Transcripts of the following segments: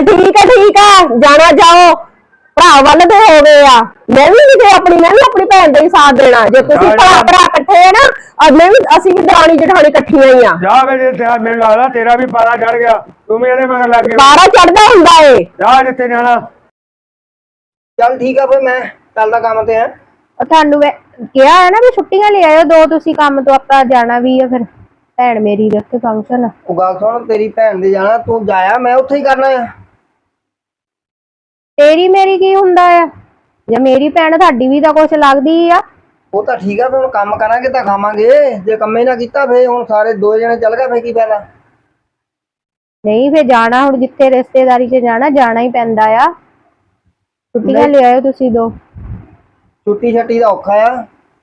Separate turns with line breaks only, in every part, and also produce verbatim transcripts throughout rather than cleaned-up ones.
चल ठीक है ठीक है जाना जाओ भरा वाल तो हो गए आ मैं भी किते अपनी मैं भी अपनी भैन का ही साथ देना जे तुसी भरा भरा इकट्ठे है ना और मैं भी असि भी दरानी जठानी इकट्ठियां ही आ
जा मेरे मेरे लगदा तेरा भी पारा चढ़ गया तू मेरे मगर लग गया
पारा चढ़दा हुंदा है
जा जिथे जाना
चल ठीक है फिर मैं चलदा काम ते है
ਤੁਹਾਨੂੰ ਕਿਹਾ ਹੈ ਨਾ ਵੀ ਛੁੱਟੀਆਂ ਲੈ ਆਇਓ ਦੋ ਤੁਸੀਂ ਕੰਮ ਤੋਂ ਆਪਾਂ ਜਾਣਾ ਵੀ ਆ ਫਿਰ ਭੈਣ ਮੇਰੀ ਦੇ ਉੱਤੇ ਫੰਕਸ਼ਨ
ਉਹ ਗੱਲ ਸੁਣ ਤੇਰੀ ਭੈਣ ਦੇ ਜਾਣਾ ਤੂੰ ਜਾਇਆ ਮੈਂ ਉੱਥੇ ਹੀ ਕਰਨਾ ਆ
ਤੇਰੀ ਮੇਰੀ ਕੀ ਹੁੰਦਾ ਆ ਜੇ ਮੇਰੀ ਭੈਣ ਤੁਹਾਡੀ ਵੀ ਤਾਂ ਕੁਛ ਲੱਗਦੀ ਆ
ਉਹ ਤਾਂ ਠੀਕ ਆ ਫਿਰ ਹੁਣ ਕੰਮ ਕਰਾਂਗੇ ਤਾਂ ਖਾਵਾਂਗੇ ਜੇ ਕੰਮੇ ਨਾ ਕੀਤਾ ਫੇਰ ਹੁਣ ਸਾਰੇ ਦੋ ਜਣੇ ਚੱਲ ਗਏ ਫੇਰ ਕੀ ਫਾਇਦਾ
ਨਹੀਂ ਫੇਰ ਜਾਣਾ ਹੁਣ ਜਿੱਥੇ ਰਿਸ਼ਤੇਦਾਰੀ 'ਚ ਜਾਣਾ ਜਾਣਾ ਹੀ ਪੈਂਦਾ ਆ ਛੁੱਟੀਆਂ ਲੈ ਆਇਓ ਤੁਸੀਂ ਦੋ
ਛੁੱਟੀ ਛੱਟੀ ਦਾ ਔਖਾ ਆ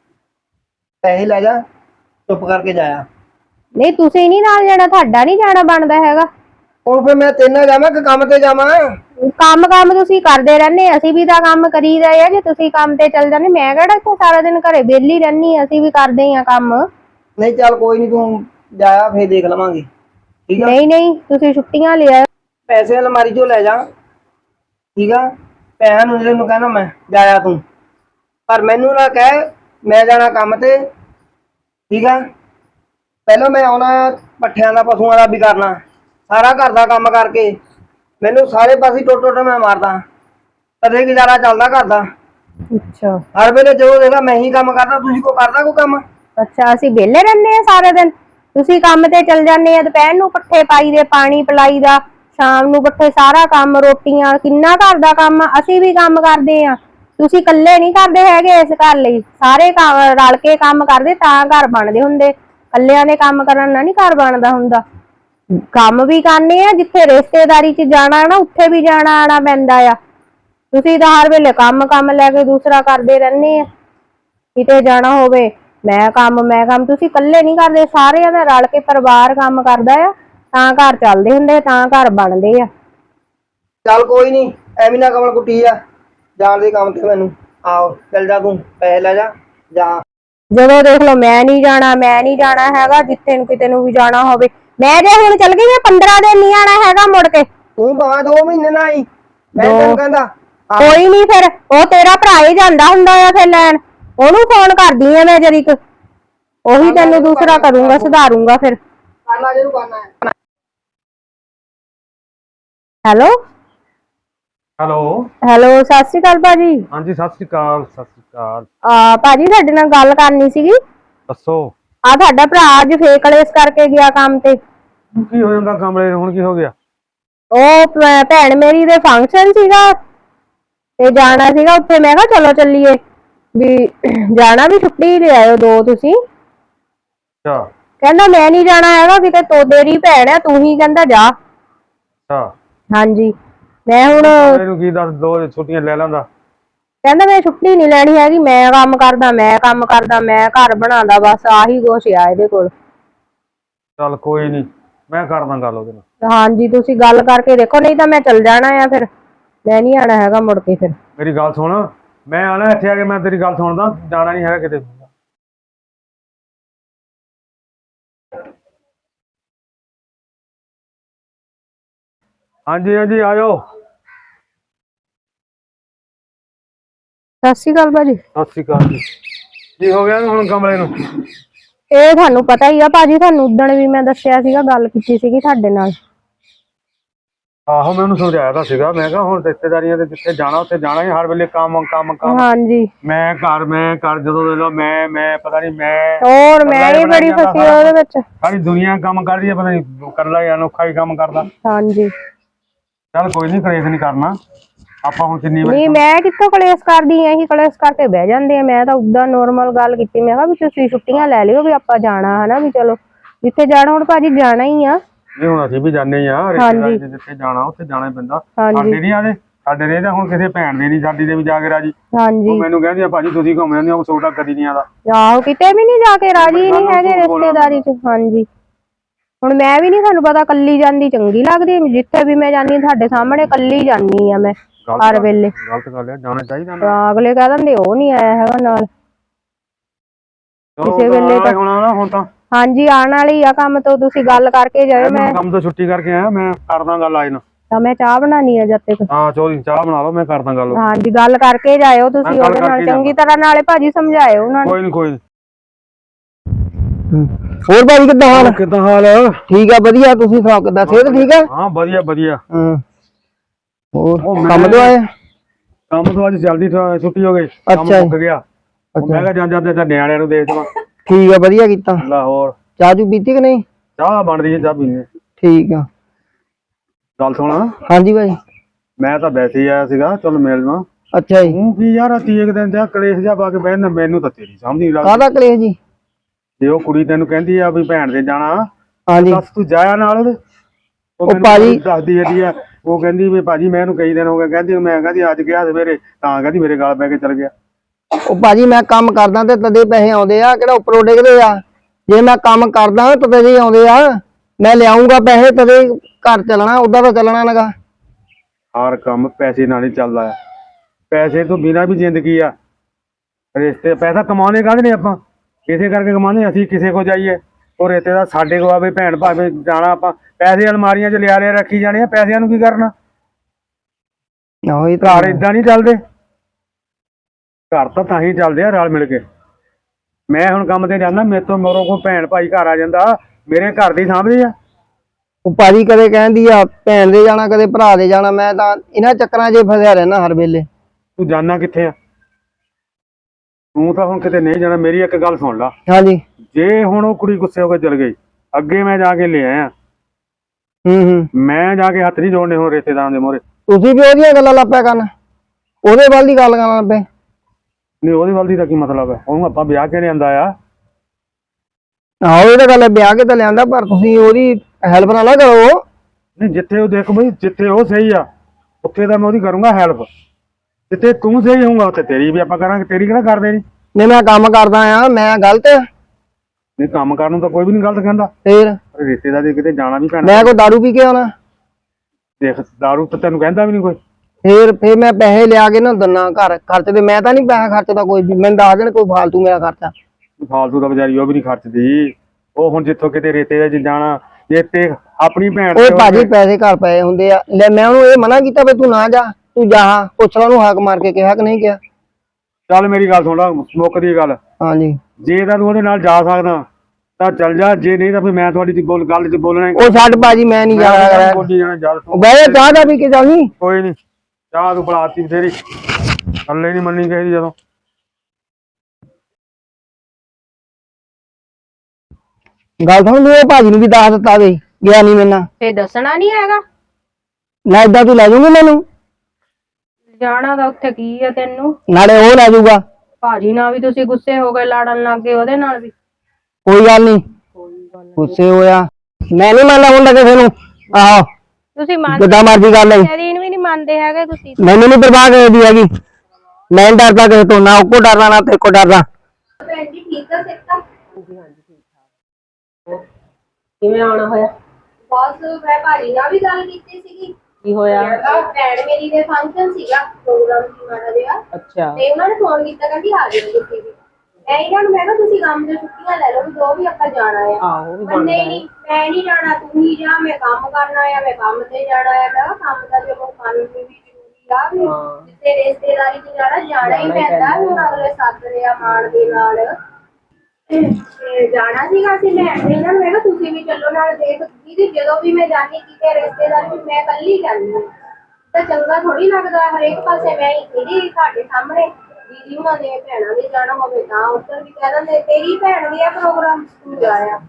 ਪੈਸੇ ਲੈ ਜਾ ਚੁੱਪ ਕਰਕੇ ਜਾਇਆ
ਨਹੀਂ ਤੁਸੀਂ ਨਹੀਂ ਨਾਲ ਜਾਣਾ ਤੁਹਾਡਾ ਨਹੀਂ ਜਾਣਾ ਬਣਦਾ ਹੈਗਾ
ਹੁਣ ਫਿਰ ਮੈਂ ਤੇਰੇ ਨਾਲ ਜਾਵਾਂ ਕਿ ਕੰਮ ਤੇ ਜਾਵਾਂ
ਕੰਮ ਕੰਮ ਤੁਸੀਂ ਕਰਦੇ ਰਹਿੰਦੇ ਅਸੀਂ ਵੀ ਤਾਂ ਕੰਮ ਕਰੀਦਾ ਆ ਜੇ ਤੁਸੀਂ ਕੰਮ ਤੇ ਚੱਲ ਜਾਂਦੇ ਮੈਂ ਕਿਹੜਾ ਇੱਥੇ ਸਾਰਾ ਦਿਨ ਘਰੇ ਵਿਹਲੀ ਰਹਿੰਦੀ ਅਸੀਂ ਵੀ ਕਰਦੇ ਆ ਕੰਮ
ਨਹੀਂ ਚੱਲ ਕੋਈ ਨਹੀਂ ਤੂੰ ਜਾਇਆ ਫੇਰ ਦੇਖ ਲਵਾਂਗੇ ਠੀਕ ਆ
ਨਹੀਂ ਨਹੀਂ ਤੁਸੀਂ ਛੁੱਟੀਆਂ ਲੈ ਆਇਓ
ਪੈਸੇ ਅਲਮਾਰੀ ਚੋਂ ਲੈ ਜਾ ਠੀਕ ਆ ਪੈਸਿਆਂ ਨੂੰ ਜਿਹਨੂੰ ਕਹਿਣਾ ਮੈਂ ਜਾਇਆ ਤੂੰ ਪਰ ਮੈਨੂੰ ਨਾ ਕਹਿ ਮੈਂ ਜਾਣਾ ਕੰਮ ਤੇ ਠੀਕ ਆ ਪਹਿਲਾਂ ਮੈਂ ਆਉਣਾ ਪੱਠਿਆਂ ਦਾ ਪਸ਼ੂਆਂ ਦਾ ਵੀ ਕਰਨਾ ਸਾਰਾ ਘਰ ਦਾ ਕੰਮ ਕਰਕੇ ਮੈਨੂੰ ਸਾਰੇ ਪਾਸੇ ਟੁੱਟ ਟੁੱਟ ਮੈਂ ਮਾਰਦਾ ਕਦੇ ਗੁਜ਼ਾਰਾ ਚੱਲਦਾ ਘਰ ਦਾ
ਅੱਛਾ
ਹਰ ਵੇਲੇ ਜਦੋਂ ਦੇਖਾ ਮੈਂ ਹੀ ਕੰਮ ਕਰਦਾ ਤੁਸੀਂ ਕੋ ਕਰਦਾ ਕੋਈ ਕੰਮ
ਅੱਛਾ ਅਸੀਂ ਵਿਹਲੇ ਰਹਿੰਦੇ ਆ ਸਾਰੇ ਦਿਨ ਤੁਸੀਂ ਕੰਮ ਤੇ ਚੱਲ ਜਾਂਦੇ ਆ ਦੁਪਹਿਰ ਨੂੰ ਪੱਠੇ ਪਾਈ ਦੇ ਪਾਣੀ ਪਿਲਾਈ ਦਾ ਸ਼ਾਮ ਨੂੰ ਪੱਠੇ ਸਾਰਾ ਕੰਮ ਰੋਟੀਆਂ ਕਿੰਨਾ ਘਰ ਦਾ ਕੰਮ ਅਸੀਂ ਵੀ ਕੰਮ ਕਰਦੇ ਆ ਤੁਸੀਂ ਇਕੱਲੇ ਨਹੀਂ ਕਰਦੇ ਹੈਗੇ ਇਸ ਘਰ ਲਈ ਸਾਰੇ ਰਲ ਕੇ ਕੰਮ ਕਰਦੇ ਤਾਂ ਘਰ ਬਣਦੇ ਹੁੰਦੇ ਇਕੱਲਿਆਂ ਦੇ ਕੰਮ ਕਰਨ ਨਾਲ ਨਹੀਂ ਘਰ ਬਣਦਾ ਹੁੰਦਾ ਕੰਮ ਵੀ ਕਰਨੇ ਆ ਜਿੱਥੇ ਰਿਸ਼ਤੇਦਾਰੀ 'ਚ ਜਾਣਾ ਨਾ ਉੱਥੇ ਵੀ ਜਾਣਾ ਆਣਾ ਪੈਂਦਾ ਆ ਤੁਸੀਂ ਤਾਂ ਹਰ ਵੇਲੇ ਕੰਮ ਕੰਮ ਲੈ ਕੇ ਦੂਸਰਾ ਕਰਦੇ ਰਹਿੰਦੇ ਆ ਕਿਤੇ ਜਾਣਾ ਹੋਵੇ ਮੈਂ ਕੰਮ ਮੈਂ ਕੰਮ ਤੁਸੀਂ ਇਕੱਲੇ ਨਹੀਂ ਕਰਦੇ ਸਾਰਿਆਂ ਦਾ ਰਲ ਕੇ ਪਰਿਵਾਰ ਕੰਮ ਕਰਦਾ ਆ ਤਾਂ ਘਰ ਚੱਲਦੇ ਹੁੰਦੇ ਤਾਂ ਘਰ ਬਣਦੇ ਆ
ਚੱਲ ਕੋਈ ਨਹੀਂ ਐਵੇਂ ਨਾ ਕਮਲ ਕੁੱਟੀ ਆ ਜਾਣ ਦੇ ਕੰਮ ਤੇ ਮੈਨੂੰ ਆਓ ਚੱਲ ਜਾ ਤੂੰ ਪੈਸੇ ਲੈ ਜਾ ਜਾ
ਜਦੋਂ ਦੇਖ ਲਓ ਮੈਂ ਨਹੀਂ ਜਾਣਾ ਮੈਂ ਨਹੀਂ ਜਾਣਾ ਹੈਗਾ ਜਿੱਥੇ ਨੂੰ ਕਿਤੇ ਨੂੰ ਵੀ ਜਾਣਾ ਹੋਵੇ ਮੈਂ ਜੇ ਹੁਣ ਚੱਲ ਗਈ ਮੈਂ ਪੰਦਰਾਂ ਦਿਨ ਨਹੀਂ ਆਣਾ ਹੈਗਾ ਮੁੜ ਕੇ
ਤੂੰ ਭਾਵੇਂ ਦੋ ਮਹੀਨੇ ਨਾ ਆਈ ਮੈਂ ਤੈਨੂੰ ਕਹਿੰਦਾ
ਕੋਈ ਨਹੀਂ ਫਿਰ ਉਹ ਤੇਰਾ ਭਰਾ ਹੀ ਜਾਂਦਾ ਹੁੰਦਾ ਆ ਫਿਰ ਲੈਣ ਉਹਨੂੰ ਫੋਨ ਕਰਦੀ ਆ ਮੈਂ ਜਰੀਕ ਉਹੀ ਤੈਨੂੰ ਦੂਸਰਾ ਕਰੂੰਗਾ ਸੁਧਾਰੂੰਗਾ ਫਿਰ
ਕਰਨਾ ਜਿਹਨੂੰ ਕਰਨਾ ਹੈ
ਹੈਲੋ
ਹੈਲੋ
ਹੈਲੋ ਸਤਿ ਸ਼੍ਰੀ ਅਕਾਲ ਭਾਜੀ
ਹਾਂਜੀ ਸਤਿ ਸ਼੍ਰੀ ਅਕਾਲ ਸਤਿ ਸ਼੍ਰੀ ਅਕਾਲ
ਆ ਭਾਜੀ ਤੁਹਾਡੇ ਨਾਲ ਗੱਲ ਕਰਨੀ ਸੀਗੀ
ਦੱਸੋ
ਆ ਤੁਹਾਡਾ ਭਰਾ ਅੱਜ ਫੇਰ ਕਲੇਸ਼ ਕਰਕੇ ਗਿਆ ਕੰਮ ਤੇ
ਕੀ ਹੋ ਜਾਂਦਾ ਕਮਰੇ ਹੁਣ ਕੀ ਹੋ ਗਿਆ
ਉਹ ਭੈਣ ਮੇਰੀ ਦੇ ਫੰਕਸ਼ਨ ਸੀਗਾ ਤੇ ਜਾਣਾ ਸੀਗਾ ਉੱਥੇ ਮੈਂ ਕਿਹਾ ਚਲੋ ਚੱਲੀਏ ਵੀ ਜਾਣਾ ਵੀ ਛੁੱਟੀ ਲੈ ਆਇਓ ਦੋ ਤੁਸੀਂ
ਅੱਛਾ
ਕਹਿੰਦਾ ਮੈਂ ਨਹੀਂ ਜਾਣਾ ਹੈਗਾ ਕਿਤੇ ਤੋ ਤੇਰੀ ਭੈਣ ਆ ਤੂੰ ਹੀ ਕਹਿੰਦਾ ਜਾ
ਅੱਛਾ
ਹਾਂਜੀ ਮੈਂ ਹੁਣ
ਇਹਨੂੰ ਕੀ ਦੱਸ ਦੋ ਛੁੱਟੀਆਂ ਲੈ ਲੈਂਦਾ
ਕਹਿੰਦਾ ਮੈਂ ਛੁੱਟੀ ਨਹੀਂ ਲੈਣੀ ਹੈਗੀ ਮੈਂ ਕੰਮ ਕਰਦਾ ਮੈਂ ਕੰਮ ਕਰਦਾ ਮੈਂ ਘਰ ਬਣਾਉਂਦਾ ਬਸ ਆਹੀ ਕੁਛ ਆ ਇਹਦੇ ਕੋਲ
ਚੱਲ ਕੋਈ ਨਹੀਂ ਮੈਂ ਕਰਦਾ ਗੱਲ ਉਹਦੇ ਨਾਲ
ਹਾਂਜੀ ਤੁਸੀਂ ਗੱਲ ਕਰਕੇ ਦੇਖੋ ਨਹੀਂ ਤਾਂ ਮੈਂ ਚੱਲ ਜਾਣਾ ਆ ਫਿਰ ਮੈਂ ਨਹੀਂ ਆਣਾ ਹੈਗਾ ਮੁੜ ਕੇ ਫਿਰ
ਮੇਰੀ ਗੱਲ ਸੁਣ ਮੈਂ ਆਣਾ ਇੱਥੇ ਆ ਕੇ ਮੈਂ ਤੇਰੀ ਗੱਲ ਸੁਣਦਾ ਜਾਣਾ ਨਹੀਂ ਹੈਗਾ ਕਿਤੇ ਹਾਂਜੀ ਹਾਂਜੀ ਆ ਜਾਓ
ਸਤਿ ਸ਼੍ਰੀ ਅਕਾਲ ਭਾਜੀ
ਸਤਿ ਸ਼੍ਰੀ ਅਕਾਲ ਜੀ ਕੀ ਹੋ ਗਿਆ ਹੁਣ ਕਮਰੇ ਨੂੰ
ਇਹ ਤੁਹਾਨੂੰ ਪਤਾ ਹੀ ਆ ਭਾਜੀ ਤੁਹਾਨੂੰ ਉਦਣ ਵੀ ਮੈਂ ਦੱਸਿਆ ਸੀਗਾ ਗੱਲ ਕੀਤੀ ਸੀਗੀ ਤੁਹਾਡੇ ਨਾਲ
ਆਹੋ ਮੈਂ ਉਹਨੂੰ ਸਮਝਾਇਆ ਤਾਂ ਸੀਗਾ ਮੈਂ ਕਿਹਾ ਹੁਣ ਰਿਸ਼ਤੇਦਾਰੀਆਂ ਦੇ ਜਿੱਥੇ ਜਾਣਾ ਉੱਥੇ ਜਾਣਾ ਹੀ ਹਰ ਵੇਲੇ ਕੰਮ ਕੰਮ ਕੰਮ
ਹਾਂਜੀ
ਮੈਂ ਘਰ ਮੈਂ ਘਰ ਜਦੋਂ ਦੇ ਲੋ ਮੈਂ ਮੈਂ ਪਤਾ ਨਹੀਂ ਮੈਂ
ਹੋਰ ਮੈਂ ਹੀ ਬੜੀ ਫਸੀ ਉਹਦੇ ਵਿੱਚ
ਸਾਰੀ ਦੁਨੀਆ ਕੰਮ ਕਰ ਰਹੀ ਹੈ ਪਤਾ ਨਹੀਂ ਕਰਦਾ ਜਾਂ ਅਨੋਖਾ ਹੀ ਕੰਮ ਕਰਦਾ
ਹਾਂਜੀ
ਚੱਲ ਕੋਈ ਨਹੀਂ ਕਲੇਸ਼ ਨਹੀਂ ਕਰਨਾ ਆਪਾਂ ਹੁਣ ਕਿੰਨੀ ਵਾਰੀ
ਨਹੀਂ ਮੈਂ ਕਿੱਥੋਂ ਕਲੇਸ਼ ਕਰਦੀ ਆ ਇਹੀ ਕਲੇਸ਼ ਕਰਕੇ ਬਹਿ ਜਾਂਦੇ ਆ ਮੈਂ ਤਾਂ ਉਦਾਂ ਨੋਰਮਲ ਗੱਲ ਕੀਤੀ ਮੈਂ ਕਿਹਾ ਵੀ ਤੁਸੀਂ ਛੁੱਟੀਆਂ ਲੈ ਲਿਓ ਵੀ ਆਪਾਂ ਜਾਣਾ ਹਨਾ ਵੀ ਚਲੋ ਜਿੱਥੇ ਜਾਣਾ ਹੁਣ ਭਾਜੀ ਜਾਣਾ ਹੀ ਆ
ਨਹੀਂ ਹੁਣ ਅਸੀਂ ਵੀ ਜਾਂਦੇ ਆ ਰਿਸ਼ਤੇਦਾਰੀ ਜਿੱਥੇ ਜਾਣਾ ਉੱਥੇ ਜਾਣਾ ਹੀ ਪੈਂਦਾ ਸਾਡੇ ਨਹੀਂ ਆਦੇ ਸਾਡੇ ਨੇ ਤਾਂ ਹੁਣ ਕਿਸੇ ਭੈਣ ਦੇ ਨਹੀਂ ਸਾਡੀ ਦੇ ਵੀ ਜਾ ਕੇ ਰਾਜੀ
ਹਾਂਜੀ
ਉਹ ਮੈਨੂੰ ਕਹਿੰਦੀ ਆ ਭਾਜੀ ਤੁਸੀਂ ਘੁੰਮ ਜਾਂਦੇ ਹੋ ਛੋਟਾ ਕਦੀ ਨਹੀਂ ਆਦਾ
ਆਹੋ ਕਿਤੇ ਵੀ ਨਹੀਂ ਜਾ ਕੇ ਰਾਜੀ ਨਹੀਂ ਹੈਗੇ ਰਿਸ਼ਤੇਦਾਰੀ ਚ ਹਾਂਜੀ ਹੁਣ ਮੈਂ ਵੀ ਨਹੀਂ ਤੁਹਾਨੂੰ ਪਤਾ ਕੱਲੀ ਜਾਂਦੀ ਚੰਗੀ ਲੱਗਦੀ ਜਿੱਥੇ ਵੀ ਮੈਂ ਜਾਂਦੀ ਤੁਹਾਡੇ ਸਾਹਮਣੇ ਕੱਲੀ ਜਾਂਦੀ ਆ ਮੈਂ ਹਰ ਵੇਲੇ
ਗਲਤ ਗੱਲ ਹੈ ਜਾਣਾ ਚਾਹੀਦਾ
ਅਗਲੇ ਕਹਿ ਦਿੰਦੇ ਉਹ ਨਹੀਂ ਆਇਆ ਹੈਗਾ ਨਾਲ ਕਿਸੇ ਵੇਲੇ ਤਾਂ
ਹੁਣ ਨਾ ਹੁਣ ਤਾਂ
ਹਾਂਜੀ ਆਉਣ ਵਾਲੀ ਆ ਕੰਮ ਤੋਂ ਤੁਸੀਂ ਗੱਲ ਕਰਕੇ ਜਾਇਓ ਮੈਂ
ਕੰਮ ਤੋਂ ਛੁੱਟੀ ਕਰਕੇ ਆਇਆ ਮੈਂ ਕਰਦਾ ਗੱਲ ਆਜ ਨਾ
ਤਾਂ ਮੈਂ ਚਾਹ ਬਣਾਣੀ ਆ ਜਦ ਤੱਕ।
ਹਾਂ ਚੋਰੀ ਚਾਹ ਬਣਾ ਲਓ, ਮੈਂ ਕਰਦਾ ਗੱਲ।
ਹਾਂਜੀ ਗੱਲ ਕਰਕੇ ਜਾਇਓ ਤੁਸੀਂ
ਮੈਂ ਗੱਲ
ਉਹਦੇ ਨਾਲ
ਕਰਕੇ
ਚੰਗੀ ਤਰ੍ਹਾਂ, ਨਾਲੇ ਭਾਜੀ ਸਮਝਾਇਓ ਉਹਨਾਂ ਨੂੰ।
ਕੋਈ ਨਹੀਂ ਕੋਈ ਨੀ।
ਹੋਰ ਭਾਜੀ ਕਿੱਦਾਂ ਹਾਲ?
ਕਿੱਦਾਂ ਹਾਲ?
ਠੀਕ ਆ ਵਧੀਆ, ਤੁਸੀਂ ਸੁਣਾਓ ਕਿੱਦਾਂ, ਸਿਹਤ ਠੀਕ ਆ?
ਹਾਂ ਵਧੀਆ ਵਧੀਆ।
ਹਾਂ ਹੋਰ
ਉਹ ਮੈਂ-
ਕੰਮ ਤੋਂ ਆਏ?
ਕੰਮ ਤੋਂ ਅੱਜ ਜਲਦੀ ਥੋੜ੍ਹਾ ਛੁੱਟੀ ਹੋ ਗਈ, ਕੰਮ
ਅੱਛਾ ਜੀ।
ਮੁੱਕ ਗਿਆ। ਉਹ ਮੈਂ ਕਿਹਾ ਜਾਂ ਜਾਂਦੇ ਤਾਂ ਨਿਆਣਿਆਂ ਨੂੰ ਦੇਖ ਦੇਵਾਂ।
ਠੀਕ ਆ ਵਧੀਆ ਕੀਤਾ।
ਲਾਹੌਰ
ਚਾਹ ਚੂ ਪੀਤੀ ਕਿ ਨਹੀਂ?
ਚਾਹ ਬਣਦੀ ਹੈ, ਚਾਹ ਪੀਣੀ।
ਠੀਕ ਆ।
ਗੱਲ ਸੁਣ,
ਹਾਂਜੀ ਭਾਜੀ।
ਮੈਂ ਤਾਂ ਵੈਸੇ ਹੀ ਆਇਆ ਸੀਗਾ, ਚਲ ਮਿਲ ਲਵਾਂ।
ਅੱਛਾ ਜੀ।
ਤੂੰ ਕੀ ਯਾਰ ਰਾਤੀ ਇੱਕ ਦਿਨ ਜਾ ਕਲੇਸ਼ ਜਾ ਪਾ ਕੇ ਬਹਿਣਾ, ਮੈਨੂੰ ਤਾਂ ਤੇਰੀ ਸਮਝ ਨਹੀਂ ਲੱਗਦੀ।
ਕਾਹਦਾ ਕਲੇਸ਼ ਜੀ?
ਜੇ ਉਹ ਕੁੜੀ ਤੈਨੂੰ ਕਹਿੰਦੀ ਆ ਵੀ ਭੈਣ ਦੇ ਜਾਣਾ,
ਹਾਂਜੀ।
ਦੱਸ ਤੂੰ ਜਾਇਆ ਨਾਲ ਉਹਦੇ? ਉਹ
ਭਾਜੀ
ਦੱਸਦੀ ਹੈਗੀ ਆ, ਉਹ ਕਹਿੰਦੀ ਵੀ ਭਾਜੀ ਮੈਂ ਇਹਨੂੰ ਕਈ ਦਿਨ ਹੋ ਗਏ, ਕਹਿੰਦੀ ਮੈਂ ਕਹਿੰਦੀ ਅੱਜ ਗਿਆ ਸਵੇਰੇ, ਤਾਂ ਕਹਿੰਦੀ ਮੇਰੇ ਗਾਲ ਪੈ ਕੇ ਚਲ ਗਿਆ।
ਉਹ ਭਾਜੀ ਮੈਂ ਕੰਮ ਕਰਦਾ ਤੇ ਤਦੇ ਪੈਸੇ ਆਉਂਦੇ ਆ, ਕਿਹੜਾ ਉੱਪਰੋਂ ਡਿੱਗਦੇ ਆ? ਜੇ ਮੈਂ ਕੰਮ ਕਰਦਾ ਤਦੇ ਜੇ ਆਉਂਦੇ ਆ, ਮੈਂ ਲਿਆਉਂਗਾ ਪੈਸੇ ਤਦੇ ਘਰ ਚੱਲਣਾ, ਉਦਾਂ ਤਾਂ ਚੱਲਣਾ ਨਗਾ।
ਹਰ ਕੰਮ ਪੈਸੇ ਨਾਲ ਹੀ ਚੱਲਦਾ ਆ, ਪੈਸੇ ਤੋਂ ਬਿਨਾਂ ਵੀ ਜ਼ਿੰਦਗੀ ਆ। ਰਿਸ਼ਤੇ ਪੈਸਾ ਕਮਾਉਣੇ ਕਾਹਦੇ ਨੇ, ਆਪਾਂ ਕਿਸੇ ਕਰਕੇ ਕਮਾਉਂਦੇ, ਅਸੀਂ ਕਿਸੇ ਕੋ ਜਾਈਏ ਉਹ ਰਿਸ਼ਤੇ ਦਾ ਸਾਡੇ ਕੋਲ ਆਵੇ, ਭੈਣ ਭਾਵੇਂ ਜਾਣਾ, ਆਪਾਂ ਪੈਸੇ ਅਲਮਾਰੀਆਂ 'ਚ ਲਿਆ ਲਿਆ ਰੱਖੀ ਜਾਣੇ ਆ, ਪੈਸਿਆਂ ਨੂੰ ਕੀ ਕਰਨਾ? ਘਰ ਏਦਾਂ ਨਹੀਂ ਚੱਲਦੇ, ਘਰ ਤਾਂ ਤਾਂ ਹੀ ਚੱਲਦੇ ਆ ਰਲ ਮਿਲ ਕੇ। ਮੈਂ ਹੁਣ ਕੰਮ ਤੇ ਜਾਂਦਾ, ਮੇਰੇ ਤੋਂ ਮਗਰੋਂ ਕੋਈ ਭੈਣ ਭਾਈ ਘਰ ਆ ਜਾਂਦਾ, ਮੇਰੇ ਘਰ ਦੀ ਸਾਂਭਦੇ ਆ।
ਉਹ ਭਾਜੀ ਕਦੇ ਕਹਿੰਦੀ ਆ ਭੈਣ ਦੇ ਜਾਣਾ, ਕਦੇ ਭਰਾ ਦੇ ਜਾਣਾ, ਮੈਂ ਤਾਂ ਇਹਨਾਂ ਚੱਕਰਾਂ 'ਚ ਫਸਿਆ ਰਹਿਣਾ ਹਰ ਵੇਲੇ।
ਤੂੰ ਜਾਣਾ ਕਿੱਥੇ ਆ? ਤੂੰ ਤਾਂ ਹੁਣ ਕਿਤੇ ਨਹੀਂ ਜਾਣਾ। ਮੇਰੀ ਇੱਕ ਗੱਲ ਸੁਣ ਲਾ।
ਹਾਂਜੀ।
ਜੇ ਹੁਣ ਉਹ ਕੁੜੀ ਗੁੱਸੇ ਹੋ ਕੇ ਚਲ ਗਈ, ਅੱਗੇ ਮੈਂ ਜਾ ਕੇ ਲੈ ਆਇਆ,
ਹੂੰ ਹੂੰ
ਮੈਂ ਜਾ ਕੇ ਹੱਥ ਨਹੀਂ ਜੋੜਨੇ ਹੁਣ ਰਿਸ਼ਤੇਦਾਰਾਂ ਦੇ ਮੂਹਰੇ।
ਤੁਸੀਂ ਵੀ ਉਹਦੀਆਂ ਗੱਲਾਂ ਲੱਪਿਆ ਕਰਨ, ਉਹਦੇ ਵੱਲ ਦੀ ਗੱਲ ਕਰਨ ਲੱਪੇ।
ਨਹੀਂ ਉਹਦੇ ਵੱਲ ਦੀ ਦਾ ਕੀ ਮਤਲਬ ਹੈ? ਉਹਨੂੰ ਆਪਾਂ ਵਿਆਹ ਕੇ ਲਿਆਂਦਾ ਆ।
ਆਹੋ ਇਹ ਤਾਂ ਗੱਲ ਵਿਆਹ ਕੇ ਤਾਂ ਲਿਆਂਦਾ, ਪਰ ਤੁਸੀਂ ਉਹਦੀ ਹੈਲਪ ਨਾ ਨਾ ਕਰੋ।
ਨਹੀਂ ਜਿੱਥੇ ਉਹ ਦੇਖ ਬਈ, ਜਿੱਥੇ ਉਹ ਸਹੀ ਆ ਉੱਥੇ ਤਾਂ ਮੈਂ ਉਹਦੀ ਕਰੂੰਗਾ ਹੈਲਪ, ਜਿੱਥੇ ਤੂੰ ਸਹੀ ਹੋਊਗਾ ਉੱਥੇ ਤੇਰੀ ਵੀ ਆਪਾਂ ਕਰਾਂਗੇ। ਤੇਰੀ ਕਿਹੜਾ ਕਰਦੇ ਨਹੀਂ?
ਨਹੀਂ ਮੈਂ ਕੰਮ ਕਰਦਾ ਆ, ਮੈਂ ਗਲਤ?
ਨਹੀਂ ਕੰਮ ਕਰਨ ਨੂੰ ਤਾਂ ਕੋਈ ਵੀ ਨਹੀਂ ਗਲਤ ਕਹਿੰਦਾ।
ਫੇਰ
ਰਿਸ਼ਤੇਦਾਰ ਦੇ ਕਿਤੇ ਜਾਣਾ ਵੀ ਪੈਣਾ।
ਮੈਂ ਕੋਈ ਦਾਰੂ ਪੀ ਕੇ ਆਉਣਾ?
ਦੇਖ ਦਾਰੂ ਤਾਂ ਤੈਨੂੰ ਕਹਿੰਦਾ ਵੀ ਨਹੀਂ ਕੋਈ।
ਫੇਰ ਫੇਰ ਮੈਂ ਪੈਸੇ ਲਿਆ ਕੇ ਨਾ ਦਿਨਾ ਘਰ ਖਰਚ ਤੇ, ਮੈਂ ਤਾਂ ਨਹੀਂ ਪੈਸਾ ਖਰਚਦਾ ਕੋਈ ਵੀ। ਮੈਨੂੰ ਦੱਸ ਦੇਣ ਕੋਈ ਫਾਲਤੂ ਮੇਰਾ ਖਰਚਾ।
ਫਾਲਤੂ ਦਾ ਵਿਚਾਰੀ ਉਹ ਵੀ ਨਹੀਂ ਖਰਚਦੀ। ਉਹ ਹੁਣ ਜਿੱਥੋਂ ਕਿਤੇ ਰਿਸ਼ਤੇਦਾਰ 'ਚ ਜਾਣਾ, ਜੇ ਤੇ ਆਪਣੀ ਭੈਣ
ਓਏ ਭਾਜੀ ਪੈਸੇ ਘਰ ਪਏ ਹੁੰਦੇ ਆ। ਲੈ ਮੈਂ ਉਹਨੂੰ ਇਹ ਮਨਾ ਕੀਤਾ ਵੀ ਤੂੰ ਨਾ ਜਾ, ਤੂੰ ਜਾ। ਪੁੱਛ ਲਾ ਉਹਨੂੰ ਹਾਕ ਮਾਰ ਕੇ, ਕਿਹਾ ਕਿ ਨਹੀਂ ਕਿਹਾ?
ਚੱਲ ਮੇਰੀ ਗੱਲ ਸੁਣ ਲਾ, ਮੁੱਕਦੀ ਗੱਲ।
ਹਾਂਜੀ।
ਜੇ ਤਾਂ ਤੂੰ ਉਹਦੇ ਨਾਲ ਜਾ ਸਕਦਾ ਤਾਂ ਚੱਲ ਜਾ, ਜੇ ਨਹੀਂ ਤਾਂ ਫਿਰ ਮੈਂ ਤੁਹਾਡੀ ਬੋਲ ਗੱਲ 'ਚ ਬੋਲਣਾ।
ਉਹ ਛੱਡ ਭਾਜੀ, ਮੈਂ ਨਹੀਂ ਜਾਣਾ।
ਬੋਲੀ ਜਾਣਾ ਜਦ
ਬਹਿ ਚਾਹ ਦਾ ਪੀ ਕੇ ਜਾਣੀ।
ਕੋਈ ਨਹੀਂ, ਚਾਹ ਤੂੰ ਬੁਲਾਤੀ ਬਥੇਰੀ, ਥੱਲੇ ਨਹੀਂ ਮੰਨਣੀ ਚਾਹੀਦੀ। ਜਦੋਂ
ਗੱਲ ਸੁਣ, ਉਹ ਭਾਜੀ ਨੂੰ ਵੀ ਦੱਸ ਦਿੱਤਾ ਵੇ, ਗਿਆ ਨਹੀਂ ਮੇਰੇ ਨਾਲ।
ਫੇਰ ਦੱਸਣਾ ਨਹੀਂ ਹੈਗਾ?
ਨਾ ਏਦਾਂ ਤੂੰ ਲੈ ਜਾਊਂਗੀ ਮੈਨੂੰ?
ਜਾਣਾ ਤਾਂ ਉੱਥੇ ਕੀ ਆ ਤੈਨੂੰ,
ਨਾਲੇ ਉਹ ਲੈ ਜਾਊਗਾ।
ਭਾਜੀ ਨਾਲ ਵੀ ਤੁਸੀਂ ਗੁੱਸੇ ਹੋ ਗਏ, ਲੜਨ ਲੱਗ ਗਏ ਉਹਦੇ ਨਾਲ ਵੀ।
ਕੋਈ ਗੱਲ ਨਹੀਂ, ਗੁੱਸੇ ਹੋਇਆ ਮੈਂ ਨਹੀਂ ਮੰਨਦਾ ਹੁੰਦਾ ਕਿਸੇ ਨੂੰ। ਆਹੋ
ਤੁਸੀਂ ਮੰਨ
ਜਿੱਦਾਂ ਮਰਜ਼ੀ ਗੱਲ ਹੈ,
ਇਹਨੂੰ ਵੀ ਨਹੀਂ ਮੰਨਦੇ ਹੈਗੇ ਤੁਸੀਂ।
ਮੈਨੂੰ ਨਹੀਂ ਪਰਵਾਹ ਕਿਸੇ ਦੀ ਹੈਗੀ। ਮੈਂ ਡਰਦਾ ਕਿਸੇ ਤੋਂ, ਨਾ ਉਹ ਕੋ ਡਰਦਾ ਨਾ ਤੇਰੇ ਕੋ ਡਰਦਾ।
ਭੈਣ ਜੀ ਠੀਕ ਆ ਸਿੱਧਾ? ਹਾਂਜੀ ਹਾਂਜੀ ਠੀਕ ਠਾਕ। ਕਿਵੇਂ ਆਉਣਾ ਹੋਇਆ? ਬਸ ਮੈਂ ਭਾਜੀ ਨਾਲ ਵੀ ਗੱਲ ਕੀਤੀ ਸੀਗੀ। ਕੀ ਹੋਇਆ? ਭੈਣ ਮੇਰੀ ਦੇ ਫੰਕਸ਼ਨ ਸੀਗਾ, ਪ੍ਰੋਗਰਾਮ ਸੀ ਮਾੜਾ ਜਿਹਾ। ਅੱਛਾ। ਤੇ ਉਹਨਾਂ ਨੇ ਫੋਨ ਕੀਤਾ, ਕਹਿੰਦੀ ਆ ਜਾਓ ਤੁਸੀਂ ਵੀ। ਐ ਇਹਨਾਂ ਨੂੰ ਮੈਂ ਕਿਹਾ ਤੁਸੀਂ ਕੰਮ ਦੇ ਛੁੱਟੀਆਂ ਲੈ ਲਓ, ਜੋ ਵੀ ਆਪਾਂ ਜਾਣਾ ਆ। ਆਹੋ ਵੀ ਬਣਦਾ। ਨਹੀਂ ਨਹੀਂ ਮੈਂ ਨਹੀਂ ਜਾਣਾ, ਤੂੰ ਹੀ ਜਾ, ਮੈਂ ਕੰਮ ਕਰਨਾ ਆ, ਮੈਂ ਕੰਮ ਤੇ ਜਾਣਾ ਆ। ਮੈਂ ਕਿਹਾ ਕੰਮ ਦਾ ਜਦੋਂ ਕਾਨੂੰਨ ਵੀ ਜ਼ਰੂਰੀ ਆ, ਵੀ ਜਿੱਥੇ ਰਿਸ਼ਤੇਦਾਰੀ 'ਚ ਜਾਣਾ ਜਾਣਾ ਹੀ ਪੈਂਦਾ। ਹੁਣ ਅਗਲੇ ਸੱਦ ਰਿਹਾ ਮਾਣ ਦੇ ਨਾਲ, ਤੇ ਜਾਣਾ ਸੀਗਾ ਅਸੀਂ ਲੈਣ। ਇਹਨਾਂ ਨੂੰ ਮੈਂ ਕਿਹਾ ਤੁਸੀਂ ਵੀ ਚੱਲੋ ਨਾਲ। ਦੇਖ ਦੀਦੀ ਜਦੋਂ ਵੀ ਮੈਂ ਜਾਣੀ ਕਿਤੇ ਰਿਸ਼ਤੇਦਾਰੀ 'ਚ ਮੈਂ ਇਕੱਲੀ ਜਾਂਦੀ ਹਾਂ, ਤਾਂ ਚੰਗਾ ਥੋੜੀ ਲੱਗਦਾ। ਹਰੇਕ ਪਾਸੇ ਮੈਂ ਹੀ ਦੀਦੀ ਤੁਹਾਡੇ ਸਾਹਮਣੇ ਦੀਦੀ ਉਹਨਾਂ ਦੇ ਭੈਣਾਂ ਦੇ ਜਾਣਾ ਹੋਵੇ ਤਾਂ ਉੱਧਰ ਵੀ ਕਹਿ ਦਿੰਦੇ ਤੇਰੀ ਭੈਣ ਦੀ ਆ ਪ੍ਰੋਗਰਾਮ, ਤੂੰ ਜਾਇਆ।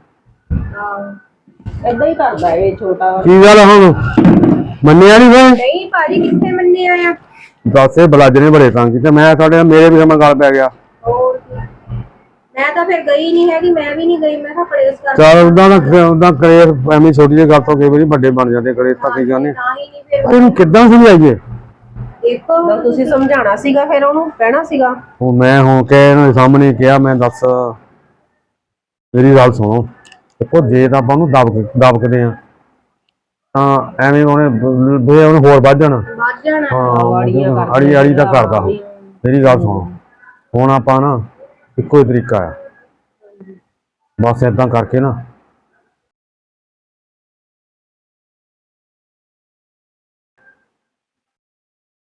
ਹਾਂ ਏਦਾਂ ਹੀ ਕਰਦਾ ਇਹ ਛੋਟਾ।
ਕੀ ਗੱਲ ਹੁਣ ਮੰਨਿਆ ਨਹੀਂ ਫਿਰ?
ਨਹੀਂ ਭਾਜੀ ਕਿੱਥੇ ਮੰਨਿਆ ਆ?
ਦੱਸ ਇਹ ਬਲਾਜਰੇ ਬੜੇ ਤੰਗ ਕੀਤੇ। ਮੈਂ ਸਾਡੇ ਮੇਰੇ ਵੀ ਸਮਾਂ ਗੱਲ ਪੈ ਗਿਆ।
ਹੋਰ ਮੈਂ ਤਾਂ ਫਿਰ ਗਈ ਨਹੀਂ ਹੈਗੀ, ਮੈਂ ਵੀ ਨਹੀਂ ਗਈ। ਮੈਂ ਕਿਹਾ ਪ੍ਰੇਸ ਕਰ
ਚੱਲ ਉਦਾਂ ਦਾ ਉਦਾਂ ਕਰੇ, ਐਵੇਂ ਛੋਟੀ ਜਿਹੀ ਗੱਲ ਤੋਂ ਕਈ ਵਾਰੀ ਵੱਡੇ ਬਣ ਜਾਂਦੇ ਕਰੇ ਤਾਂ ਕੀ ਕਹਿੰਦੇ। ਪਰ ਇਹਨੂੰ ਕਿੱਦਾਂ ਸਮਝਾਈਏ?
ਦੇਖੋ ਤੁਸੀਂ ਸਮਝਾਉਣਾ ਸੀਗਾ, ਫਿਰ ਉਹਨੂੰ ਕਹਿਣਾ ਸੀਗਾ।
ਉਹ ਮੈਂ ਹੁਣ ਕੇ ਇਹਨਾਂ ਦੇ ਸਾਹਮਣੇ ਕਿਹਾ, ਮੈਂ ਦੱਸ ਮੇਰੀ ਗੱਲ ਸੁਣੋ। ਦੇਖੋ ਜੇ ਤਾਂ ਆਪਾਂ ਉਹਨੂੰ ਦਬ ਦਬਕਦੇ ਆ ਤਾਂ ਐਵੇਂ ਉਹਨੇ ਉਹਨੇ ਹੋਰ ਵੱਧ ਜਾਣਾ।
ਵੱਧ ਜਾਣਾ।
ਹਾਂ ਅੜੀ ਅੜੀ ਤਾਂ ਕਰਦਾ। ਮੇਰੀ ਗੱਲ ਸੁਣੋ, ਹੁਣ ਆਪਾਂ ਨਾ ਇੱਕੋ ਹੀ ਤਰੀਕਾ ਆ, ਬਸ ਏਦਾਂ ਕਰਕੇ ਨਾ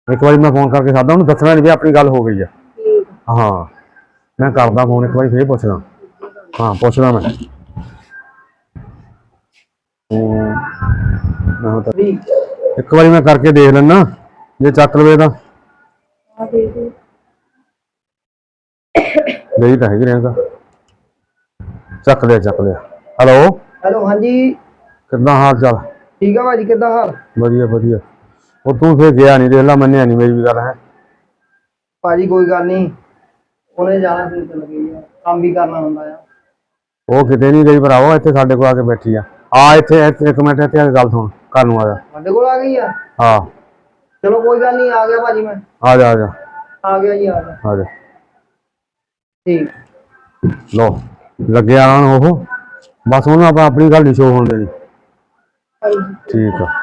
ਇੱਕ ਵਾਰੀ ਮੈਂ ਫੋਨ ਕਰਕੇ ਸਾਦਾ ਉਹਨੂੰ ਦੱਸਣਾ ਨਹੀਂ ਵੀ ਆਪਣੀ ਗੱਲ ਹੋ ਗਈ ਆ। ਹਾਂ ਮੈਂ ਕਰਦਾ ਫੋਨ ਇੱਕ ਵਾਰੀ ਫੇਰ ਪੁੱਛਦਾ। ਹਾਂ ਪੁੱਛਦਾ ਮੈਂ ਹਮ, ਮੈਂ ਤਾਂ ਇੱਕ ਵਾਰੀ ਮੈਂ ਕਰਕੇ ਦੇਖ ਲੈਣਾ ਜੇ ਚੱਕ ਲਵੇ ਤਾਂ ਗਈ ਤਾਂ ਹੈਗੀ ਰਹਿੰਦਾ। ਚੱਕ ਲਿਆ ਚੱਕ ਲਿਆ। ਹੈਲੋ
ਹੈਲੋ ਹਾਂਜੀ
ਕਿੱਦਾਂ ਹਾਲ ਚਾਲ?
ਠੀਕ ਆ ਭਾਜੀ, ਕਿੱਦਾਂ ਹਾਲ?
ਵਧੀਆ ਵਧੀਆ। ਉਹ ਤੂੰ ਫੇਰ ਗਿਆ ਨਹੀਂ, ਦੇਖ ਲਾ ਮੰਨਿਆ ਨਹੀਂ ਮੇਰੀ ਵੀ ਗੱਲ ਹੈ।
ਭਾਜੀ ਕੋਈ ਗੱਲ ਨਹੀਂ, ਉਹਨੇ ਜਾਣਾ ਫਿਰ ਚੱਲ ਗਈ ਆ, ਕੰਮ ਵੀ ਕਰਨਾ ਹੁੰਦਾ ਆ।
ਉਹ ਕਿਤੇ ਨਹੀਂ ਗਈ ਭਰਾਵੋ, ਇੱਥੇ ਸਾਡੇ ਕੋਲ ਆ ਕੇ ਬੈਠੀ ਆ। ਆ ਇੱਥੇ ਇੱਥੇ ਇੱਕ ਮਿੰਟ ਇੱਥੇ ਆ ਕੇ ਗੱਲ ਸੁਣ, ਘਰ ਨੂੰ ਆ ਜਾ।
ਸਾਡੇ ਕੋਲ ਆ ਗਈ ਆ?
ਹਾਂ
ਚਲੋ ਕੋਈ ਗੱਲ ਨਹੀਂ, ਆ ਗਿਆ ਭਾਜੀ ਮੈਂ।
ਆ ਜਾ ਆ ਜਾ
ਆ ਗਿਆ ਜੀ, ਆ ਗਿਆ।
ਆ ਜਾ।
ਠੀਕ
ਲੋ ਲੱਗਿਆ ਆਉਣ ਉਹ, ਬਸ ਉਹਨੂੰ ਆਪਾਂ ਆਪਣੀ ਗੱਲ ਨਹੀਂ ਸ਼ੋ ਹੋਣ ਦੇਣੀ। ਠੀਕ ਆ।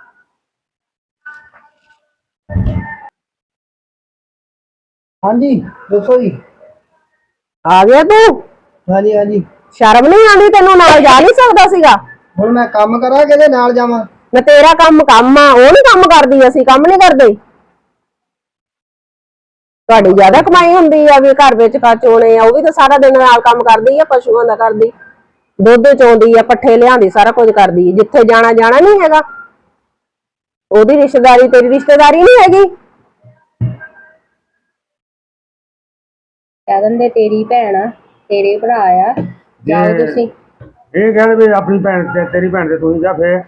ਹਾਂਜੀ ਦੱਸੋ ਜੀ।
ਆ ਗਿਆ ਤੂੰ?
ਹਾਂਜੀ ਹਾਂਜੀ।
ਸ਼ਰਮ ਨਹੀਂ ਆਉਂਦੀ ਤੈਨੂੰ? ਨਾਲ ਜਾ ਨਹੀਂ ਸਕਦਾ ਸੀਗਾ?
ਹੁਣ ਮੈਂ ਕੰਮ ਕਰਾਂ ਕਿਹਦੇ ਨਾਲ ਜਾਵਾਂ?
ਮੈਂ ਤੇਰਾ ਕੰਮ ਕੰਮ ਆ, ਉਹ ਨੀ ਕੰਮ ਕਰਦੀ, ਅਸੀਂ ਕੰਮ ਨਹੀਂ ਕਰਦੇ। ਤੁਹਾਡੀ ਜ਼ਿਆਦਾ ਕਮਾਈ ਹੁੰਦੀ ਆ ਵੀ ਘਰ ਵਿੱਚ ਕਾਚੋਣੇ ਆ, ਉਹ ਵੀ ਤਾਂ ਸਾਰਾ ਦਿਨ ਨਾਲ ਕੰਮ ਕਰਦੀ ਆ, ਪਸ਼ੂਆਂ ਦਾ ਕਰਦੀ, ਦੁੱਧ ਚੋਂਦੀ ਆ, ਪੱਠੇ ਲਿਆਂਦੀ, ਸਾਰਾ ਕੁਝ ਕਰਦੀ ਆ। ਜਿੱਥੇ ਜਾਣਾ ਜਾਣਾ ਨਹੀਂ ਹੈਗਾ। ਉਹਦੀ ਰਿਸ਼ਤੇਦਾਰੀ ਤੇਰੀ ਰਿਸ਼ਤੇਦਾਰੀ ਨਹੀਂ ਹੈਗੀ। ਕਹਿ ਦਿੰਦੇ ਤੇਰੀ ਭੈਣ ਆ, ਤੇਰੇ ਭਰਾ ਆ, ਜਾਓ ਤੁਸੀਂ।
ਇਹ ਕਹਿੰਦੇ ਵੀ ਆਪਣੀ ਭੈਣ ਤੇ ਤੇਰੀ ਭੈਣ ਤੇ ਤੂੰ ਹੀ ਜਾ ਫੇਰ।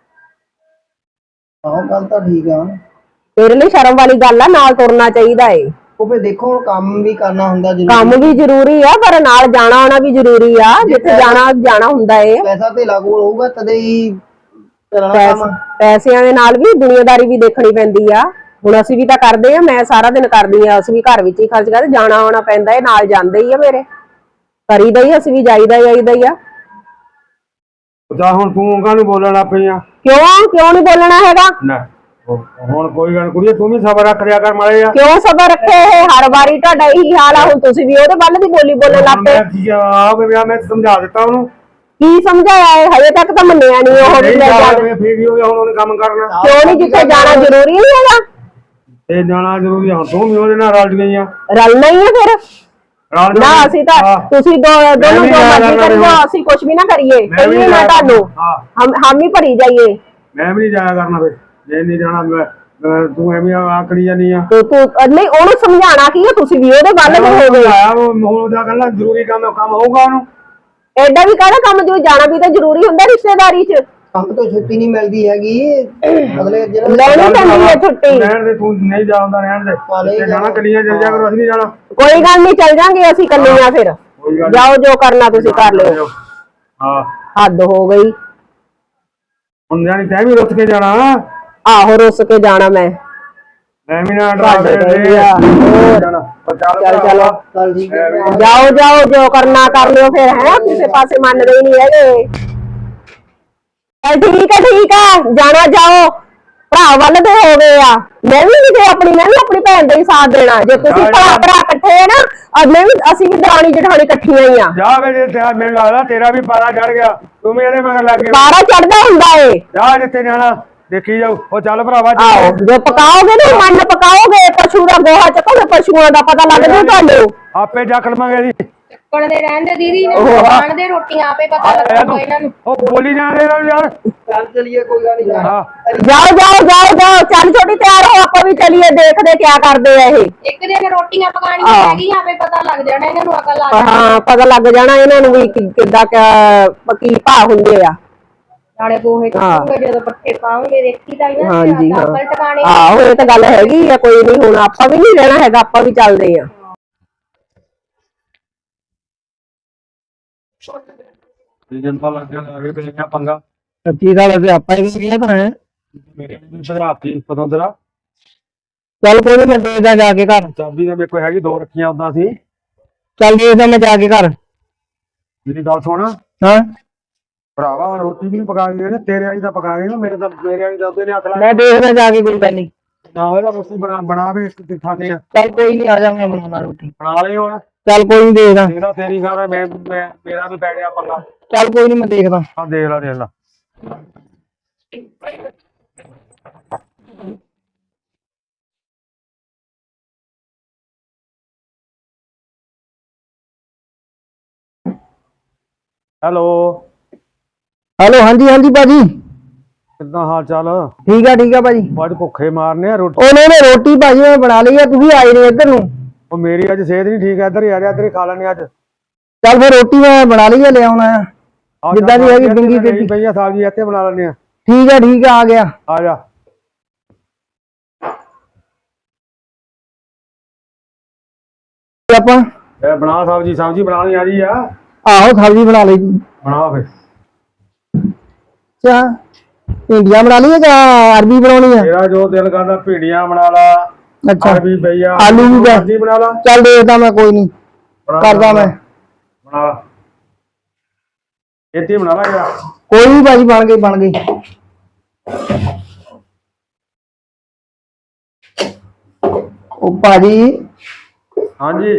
ਆਹੋ ਗੱਲ ਤਾਂ ਠੀਕ ਆ।
ਤੇਰੇ ਲਈ ਸ਼ਰਮ ਵਾਲੀ ਗੱਲ ਆ, ਨਾਲ ਤੁਰਨਾ ਚਾਹੀਦਾ ਏ।
ਉਹ ਫੇ ਦੇਖੋ ਹੁਣ ਕੰਮ ਵੀ ਕਰਨਾ ਹੁੰਦਾ ਜ਼ਰੂਰੀ।
ਕੰਮ ਵੀ ਜ਼ਰੂਰੀ ਆ, ਪਰ ਨਾਲ ਜਾਣਾ ਆਉਣਾ ਵੀ ਜ਼ਰੂਰੀ ਆ। ਜਿੱਥੇ ਜਾਣਾ ਜਾਣਾ ਹੁੰਦਾ ਏ।
ਪੈਸਾ ਧੇਲਾ ਕੋਲ ਹੋਊਗਾ ਤਦੇ ਹੀ ਚੱਲਣਾ ਕੰਮ।
ਪੈਸਿਆਂ ਦੇ ਨਾਲ ਵੀ ਦੁਨੀਆਦਾਰੀ ਵੀ ਦੇਖਣੀ ਪੈਂਦੀ ਆ। ਹੁਣ ਅਸੀਂ ਵੀ ਤਾਂ ਕਰਦੇ ਆ, ਮੈਂ ਸਾਰਾ ਦਿਨ ਕਰਦੀ ਆ, ਅਸੀਂ ਵੀ ਘਰ ਵਿੱਚ ਹੀ ਖਰਚ ਕਰਦੇ, ਜਾਣਾ ਆਉਣਾ ਪੈਂਦਾ ਏ, ਨਾਲ ਜਾਂਦੇ ਹੀ ਆ ਮੇਰੇ, ਕਰੀਦਾ ਹੀ, ਅਸੀਂ ਵੀ ਜਾਈਦਾ ਜਾਈਦਾ ਹੀ ਆ।
ਜਾ ਹੁਣ ਤੂੰ ਕਾਹਨੂੰ ਬੋਲਣ ਲੱਗ ਪਈ ਆ?
ਕਿਉਂ ਕਿਉਂ ਨਹੀਂ ਬੋਲਣਾ ਹੈਗਾ?
ਨਾ ਹੁਣ ਕੋਈ ਗੱਲ ਕੁੜੀਏ, ਤੂੰ ਵੀ ਸਬਰ ਰੱਖ ਲਿਆ ਕਰ ਮਾੜੇ ਆ।
ਕਿਉਂ ਸਬਰ ਰੱਖੇ? ਇਹ ਹਰ ਵਾਰੀ ਤੁਹਾਡਾ ਇਹੀ ਹਾਲ ਆ। ਹੁਣ ਤੁਸੀਂ ਵੀ ਉਹਦੇ ਵੱਲ ਦੀ ਬੋਲੀ ਬੋਲਣ ਲੱਗ ਪਏ।
ਆ ਮੈਂ ਸਮਝਾ ਦਿੱਤਾ ਉਹਨੂੰ।
ਕੀ ਸਮਝਾਇਆ ਹੈ? ਹਜੇ ਤੱਕ ਤਾਂ ਮੰਨਿਆ ਨਹੀਂ ਉਹ ਵੀ।
ਫੇਰ ਕੀ ਹੋ ਗਿਆ, ਹੁਣ ਉਹਨੇ ਕੰਮ ਕਰਨਾ
ਕਿਉਂ ਨਹੀਂ? ਜਿੱਥੇ ਜਾਣਾ ਜ਼ਰੂਰੀ ਨਹੀਂ ਹੈਗਾ?
ਤੇ ਜਾਣਾ ਜ਼ਰੂਰੀ ਆ। ਹੁਣ ਤੂੰ ਵੀ ਉਹਦੇ ਨਾਲ ਰਲ ਗਈ ਆ।
ਰਲਣਾ ਹੀ ਹੈ ਫਿਰ। ਨਾ ਅਸੀਂ ਤਾਂ ਤੁਸੀਂ ਦੋ ਦੋਨੋਂ ਜੋ ਮਰਜ਼ੀ ਕਰਿਓ, ਅਸੀਂ ਕੁਝ ਵੀ ਨਾ ਕਰੀਏ, ਕਹੀਏ ਨਾ ਤੁਹਾਨੂੰ, ਹਮ ਹਮ ਹੀ ਭਰੀ ਜਾਈਏ।
ਮੈਂ ਵੀ ਨਹੀਂ ਜਾਇਆ ਕਰਨਾ ਫਿਰ, ਜੇ ਨਹੀਂ ਜਾਣਾ ਮੈਂ ਤੂੰ ਐਵੇਂ ਆਕੜੀ ਜਾਨੀ ਆ।
ਤੇ ਤੂੰ ਨਹੀਂ, ਉਹਨੂੰ ਸਮਝਾਣਾ ਕੀ ਹੈ? ਤੁਸੀਂ ਵੀ ਉਹਦੇ ਵੱਲ ਦੇ ਹੋ ਗਏ।
ਹੁਣ ਉਹਦਾ ਕਹਿੰਦਾ ਜ਼ਰੂਰੀ ਕੰਮ ਕੰਮ ਹੋਊਗਾ ਉਹਨੂੰ।
ਐਡਾ ਵੀ ਕਾਹਦਾ ਕੰਮ, ਜੋ ਜਾਣਾ ਵੀ ਤਾਂ ਜ਼ਰੂਰੀ ਹੁੰਦਾ ਰਿਸ਼ਤੇਦਾਰੀ 'ਚ।
ਕੰਮ ਤੋਂ ਛੁੱਟੀ ਨਹੀਂ ਮਿਲਦੀ ਹੈਗੀ, ਅਗਲੇ ਦਿਨ
ਲੈਣੀ ਪੈਂਦੀ ਹੈ ਛੁੱਟੀ।
ਰਹਿਣ ਦੇ, ਤੂੰ ਨਹੀਂ ਜਾਉਂਦਾ ਰਹਿਣ ਦੇ। ਤੇ ਜਾਣਾ ਕੱਲੀਆਂ ਚੱਲ ਜਾ ਕਰੋ, ਅਸੀਂ ਨਹੀਂ ਜਾਣਾ।
ਕੋਈ ਗੱਲ ਨਹੀਂ, ਚੱਲ ਜਾਾਂਗੇ ਅਸੀਂ ਕੱਲੀਆਂ ਫਿਰ। ਜਾਓ ਜੋ ਕਰਨਾ ਤੁਸੀਂ ਕਰ ਲਿਓ।
ਹਾਂ
ਹੱਦ ਹੋ ਗਈ।
ਹੁਣ ਜਾਣੀ ਤੈਂ ਵੀ ਰੁੱਸ ਕੇ ਜਾਣਾ।
ਆਹੋ ਰੁੱਸ ਕੇ ਜਾਣਾ ਮੈਂ।
ਮੈਂ ਵੀ ਨਾ ਡਰਾ ਦੇ।
ਚੱਲ ਚਲੋ
ਚੱਲ ਠੀਕ ਹੈ।
ਜਾਓ ਜਾਓ, ਜੋ ਕਰਨਾ ਕਰ ਲਿਓ ਫਿਰ। ਹੈ ਕਿਸੇ ਪਾਸੇ ਮੰਨਦੇ ਹੀ ਨਹੀਂ ਹੈਗੇ। ਚੱਲ ਠੀਕ ਹੈ ਠੀਕ ਹੈ, ਜਾਣਾ ਜਾਓ। ਭਰਾ ਵੱਲ ਦੇ ਹੋ ਗਏ ਆ। ਮੈਂ ਵੀ ਕਿਤੇ ਆਪਣੀ ਮੈਂ ਵੀ ਆਪਣੀ ਭੈਣ ਦਾ ਹੀ ਸਾਥ ਦੇਣਾ। ਜੇ ਤੁਸੀਂ ਭਰਾ ਭਰਾ ਇਕੱਠੇ ਆ ਨਾ, ਮੈਂ ਵੀ ਅਸੀਂ ਵੀ ਦਰਾਣੀ ਜਠਾਣੀ ਇਕੱਠੀਆਂ ਹੀ ਆ।
ਜਾ ਵੇ ਜੇ ਮੈਨੂੰ ਲੱਗਦਾ ਤੇਰਾ ਵੀ ਪਾਰਾ ਚੜ ਗਿਆ, ਤੂੰ ਵੀ ਇਹਦੇ ਮਗਰ ਲੱਗ ਗਿਆ।
ਪਾਰਾ ਚੜਦਾ ਹੁੰਦਾ ਏ।
ਜਾ ਜਿੱਥੇ ਜਾਣਾ ਦੇਖੀ ਜਾਓ। ਉਹ ਚੱਲ ਭਰਾਵਾ,
ਆਹੋ ਜੋ ਪਕਾਓਗੇ ਨਾ, ਮਨ ਪਕਾਓਗੇ, ਪਸ਼ੂ ਦਾ ਗੋਹਾ ਚੱਕੋਗੇ, ਪਸ਼ੂਆਂ ਦਾ ਪਤਾ ਲੱਗ ਜੂ ਤੁਹਾਨੂੰ।
ਆਪੇ ਜਾ ਲਵਾਂਗੇ ਜੀ।
ਚੱਕਣ ਦੇ ਰਹਿੰਦੇ ਦੀਦੀ ਨੇ, ਖਾਣ ਦੇ ਰੋਟੀਆਂ ਆਪੇ ਪਤਾ ਲੱਗੂਗਾ ਇਹਨਾਂ ਨੂੰ।
ਉਹ ਬੋਲੀ ਜਾਂਦੇ ਇਹਨਾਂ ਨੂੰ ਯਾਰ।
ਚੱਲ ਚਲੀਏ, ਕੋਈ ਗੱਲ ਨਹੀਂ।
ਹਾਂ
ਜਾਓ ਜਾਓ ਜਾਓ ਜਾਓ, ਚੱਲ ਛੋਟੀ ਤਿਆਰ ਹੋ, ਆਪਾਂ ਵੀ ਚਲੀਏ, ਦੇਖਦੇ ਕਿਆ ਕਰਦੇ ਆ ਇਹ।
ਇੱਕ ਦਿਨ ਰੋਟੀਆਂ ਪਕਾਣੀਆਂ ਹੈਗੀਆਂ, ਆਪੇ ਪਤਾ ਲੱਗ ਜਾਣਾ ਇਹਨਾਂ ਨੂੰ, ਅਕਲ ਆ ਜਾਣੀ।
ਹਾਂ ਪਤਾ ਲੱਗ ਜਾਣਾ ਇਹਨਾਂ ਨੂੰ ਵੀ ਕਿੱਦਾਂ ਕੀ ਭਾਅ ਹੁੰਦੇ ਆ।
ਨਾਲੇ ਗੋਹੇ ਚੁੱਕੂਗੇ ਜਦੋਂ ਪੱਠੇ ਪਾਉਂਗੇ, ਦੇਖੀ ਤਾਂ ਇਹਨਾਂ
ਹਾਂਜੀ ਹਾਂ,
ਅਕਲ ਟਿਕਾਣੇ।
ਆਹੋ ਇਹ ਤਾਂ ਗੱਲ ਹੈਗੀ ਆ। ਕੋਈ ਨਹੀਂ, ਹੁਣ ਆਪਾਂ ਵੀ ਨਹੀਂ ਰਹਿਣਾ ਹੈਗਾ, ਆਪਾਂ ਵੀ ਚੱਲਦੇ ਆ।
ਜਨਤਾ ਲੱਗ ਗਿਆ ਆਗੇ ਤੇ ਕਿਆ ਪੰਗਾ।
ਕੀ ਗੱਲ ਹੈ? ਆਪਾਂ ਹੀ ਕਿਹਨੇ ਬਣਾਇਆ?
ਮੇਰੇ ਨੂੰ ਸਰਾਤੀ ਪਤਾ ਤੇਰਾ।
ਚੱਲ ਕੋਈ ਨਹੀਂ, ਮੈਂ ਦੇਖਦਾ ਜਾ ਕੇ ਘਰ।
ਚਾਬੀ ਤਾਂ ਮੇਰੇ ਕੋਲ ਹੈਗੀ, ਦੋ ਰੱਖੀਆਂ ਉਦਾਂ ਸੀ।
ਚੱਲ ਦੇਖਦਾ ਮੈਂ ਜਾ ਕੇ ਘਰ।
ਮੇਰੀ ਗੱਲ ਸੁਣ।
ਹਾਂ
ਭਰਾਵਾ ਰੋਟੀ ਵੀ ਪਕਾ ਗਏ ਨੇ, ਤੇਰੇ ਵਾਲੀ ਤਾਂ ਪਕਾ ਗਏ ਨਾ, ਮੇਰੇ ਤਾਂ ਮੇਰੇ ਵਾਲੀ ਤਾਂ ਉਹਦੇ ਨੇ ਹੱਥ ਲਾ।
ਮੈਂ ਦੇਖਦਾ ਜਾ ਕੇ, ਕੋਈ ਗੱਲ ਨਹੀਂ।
ਨਾ ਇਹਦਾ ਰੋਟੀ ਬਣਾ ਬਣਾਵੇ ਇੱਕ ਖਾਣੇ ਆ।
ਚੱਲ ਕੋਈ ਨਹੀਂ, ਆ ਜਾ, ਮੈਂ ਬਣਾਉਣਾ ਰੋਟੀ।
ਬਣਾ ਲਈ ਹੁਣ।
ਚੱਲ ਕੋਈ ਨਹੀਂ, ਦੇਖਦਾ।
ਤੇਰਾ ਤੇਰੀ ਘਰ ਮੈਂ ਮੈਂ ਮੇਰਾ ਵੀ ਪੈ ਗਿਆ ਪੰਗਾ।
ਚੱਲ ਕੋਈ ਨਹੀਂ, ਮੈਂ ਦੇਖਦਾ।
ਆ ਦੇਖ ਲਾ ਦੇਖ ਲਾ। ਹੈਲੋ,
ਹੈਲੋ, ਹਾਂਜੀ ਹਾਂਜੀ ਭਾਜੀ,
ਕਿੱਦਾਂ ਹਾਲ ਚਾਲ?
ਠੀਕ ਆ ਠੀਕ ਆ ਭਾਜੀ।
ਅੱਜ ਭੁੱਖੇ ਮਾਰਨੇ ਆ ਰੋਟੀ।
ਉਹਨੇ ਨੇ ਰੋਟੀ ਭਾਜੀ ਮੈਂ ਬਣਾ ਲਈ ਆ, ਤੁਸੀਂ ਆਏ ਨੇ ਇੱਧਰ ਨੂੰ।
ਉਹ ਮੇਰੀ ਅੱਜ ਸਿਹਤ ਨਹੀਂ ਠੀਕ ਹੈ, ਇੱਧਰ ਹੀ ਆ ਜਾ, ਇੱਧਰ ਹੀ ਖਾ ਲੈਣੇ ਅੱਜ।
ਚੱਲ ਫਿਰ ਰੋਟੀ ਮੈਂ ਬਣਾ ਲਈ ਆ, ਲੈ ਆਉਣਾ ਆ
ਆਹ
ਜਿੱਦਾਂ ਦੀ ਹੈਗੀ ਡਿੰਗੀ
ਨਹੀਂ
ਟੇਢੀ।
ਪਈ ਆ ਸਬਜ਼ੀ, ਇੱਥੇ ਬਣਾ ਲੈਣੇ ਆ।
ਠੀਕ ਆ ਠੀਕ ਆ, ਆ ਗਿਆ।
ਆ ਜਾ।
ਆਪਾਂ
ਇਹ ਬਣਾ ਸਬਜ਼ੀ, ਸਬਜ਼ੀ ਬਣਾਉਣੀ ਆ ਰਹੀ ਆ।
ਆਹੋ ਸਬਜ਼ੀ ਬਣਾ ਲਈ ਜੀ।
ਬਣਾ ਫਿਰ।
ਅੱਛਾ, ਭਿੰਡੀਆਂ ਬਣਾ ਲਈਏ ਜਾਂ ਅਰਬੀ ਬਣਾਉਣੀ ਆ?
ਤੇਰਾ ਜੋ ਦਿਲ ਕਰਦਾ, ਭਿੰਡੀਆਂ ਬਣਾ ਲਾ,
ਅੱਛਾ,
ਅਰਬੀ ਪਈ ਆ,
ਆਲੂ ਵੀ ਪਏ।
ਸਬਜ਼ੀ ਬਣਾ ਲਾ।
ਚੱਲ ਦੇਖਦਾ ਮੈਂ, ਕੋਈ ਨਹੀਂ ਕਰਦਾ ਮੈਂ।
ਬਣਾ ਲਾ, ਇੱਥੇ ਬਣਾ ਲਾ ਯਾਰ।
ਕੋਈ ਨਹੀਂ ਭਾਜੀ, ਬਣ ਗਈ ਬਣ ਗਈ। ਉਹ ਭਾਜੀ
ਹਾਂਜੀ,